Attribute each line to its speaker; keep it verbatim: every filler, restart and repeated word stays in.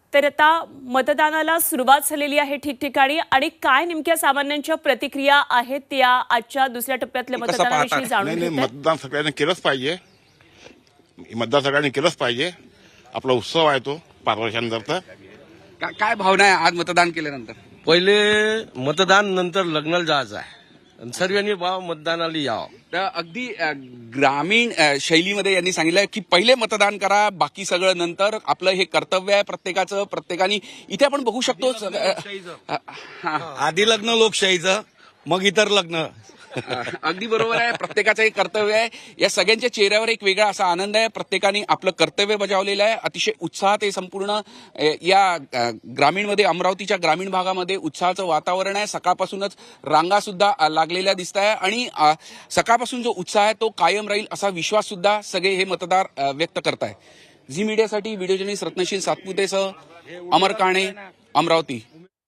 Speaker 1: तर आता मतदानाला सुरुवात झालेली आहे ठिकठिकाणी आणि काय नेमक्या सामान्यांच्या प्रतिक्रिया आहेत त्या आजच्या दुसऱ्या टप्प्यातल्या
Speaker 2: कसं पाहता?
Speaker 1: मतदानाविषयी जाणून
Speaker 3: नाही नाही
Speaker 1: घेत आहेत.
Speaker 3: मतदान सगळ्यांनी केलंच पाहिजे. मतदान सगळ्यांनी केलंच पाहिजे. आपला उत्सव आहे तो पाच वर्षांनंतर.
Speaker 2: का- काय भावना आहे आज मतदान केल्यानंतर?
Speaker 4: पहिले मतदान नंतर लग्नाला जायचं आहे आणि सर्वांनी भाव मतदानाला यावं.
Speaker 2: तर अगदी अ, ग्रामीण अ, शैलीमध्ये यांनी सांगितलं की पहिले मतदान करा, बाकी सगळं नंतर. आपलं हे कर्तव्य आहे प्रत्येकाचं. प्रत्येकाने इथे आपण बघू शकतो अ, अ, हा.
Speaker 4: आधी लग्न लोकशाहीचं, मग इतर लग्न.
Speaker 2: अगदी बरोबर आहे. प्रत्येकाचं एक कर्तव्य आहे. या सगळ्यांच्या चेहऱ्यावर एक वेगळा असा आनंद आहे. प्रत्येकाने आपलं कर्तव्य बजावलेलं आहे. अतिशय उत्साहात हे संपूर्ण अ, या अ, ग्रामीणमध्ये, अमरावतीच्या ग्रामीण भागामध्ये उत्साहाचं वातावरण आहे. सकाळपासूनच रांगा सुद्धा अ, लागलेल्या दिसत आहे आणि अ, सकाळपासून जो उत्साह आहे तो कायम राहील असा विश्वास सुद्धा सगळे हे मतदार अ, व्यक्त करताय. झी मीडियासाठी व्हिडिओ जर्नलिस्ट रत्नशील सातपुतेसह अमर काणे, अमरावती.